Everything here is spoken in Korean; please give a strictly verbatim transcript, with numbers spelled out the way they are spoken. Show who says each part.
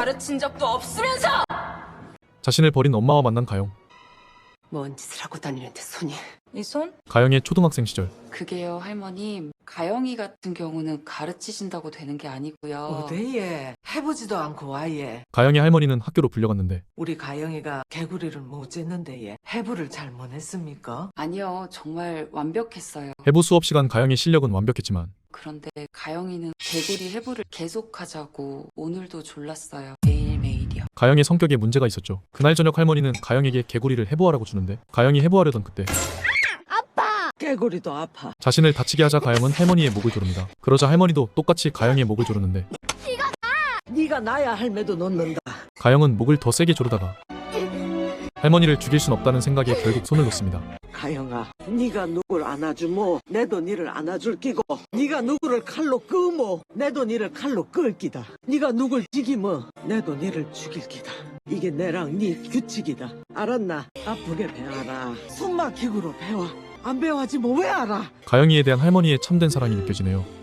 Speaker 1: 가르친 적도 없으면서!
Speaker 2: 자신을 버린 엄마와 만난 가영.
Speaker 1: 뭔 짓을 하고 다니는데 손이.
Speaker 3: 이 손?
Speaker 2: 가영의 초등학생 시절.
Speaker 3: 그게요, 할머님. 가영이 같은 경우는 가르치신다고 되는 게 아니고요.
Speaker 4: 어데예 해보지도 않고 와예.
Speaker 2: 가영의 할머니는 학교로 불려갔는데
Speaker 4: 우리 가영이가 개구리를 못 쟀는데 예 해부를 잘 못했습니까?
Speaker 3: 아니요, 정말 완벽했어요.
Speaker 2: 해부 수업 시간 가영의 실력은 완벽했지만
Speaker 3: 그런데 가영이는 개구리 해부를 계속하자고 오늘도 졸랐어요. 매일매일이요.
Speaker 2: 가영의 성격에 문제가 있었죠. 그날 저녁 할머니는 가영에게 개구리를 해부하라고 주는데 가영이 해부하려던 그때
Speaker 4: 개구리도 아파.
Speaker 2: 자신을 다치게 하자 가영은 할머니의 목을 조릅니다. 그러자 할머니도 똑같이 가영의 목을 조르는데
Speaker 4: 네가 나야 할매도 놓는다.
Speaker 2: 가영은 목을 더 세게 조르다가 할머니를 죽일 순 없다는 생각에 결국 손을 놓습니다.
Speaker 4: 가영아, 네가 누굴 안아주모 내도 니를 안아줄 끼고, 네가 누구를 칼로 끄모 내도 니를 칼로 끌 끼다. 네가 누굴 죽이모 내도 니를 죽일 끼다. 이게 내랑 네 규칙이다. 알았나? 아프게 배워라. 숨 막히고로 배워. 안 배워하지 뭐 왜 알아?
Speaker 2: 가영이에 대한 할머니의 참된 사랑이 느껴지네요.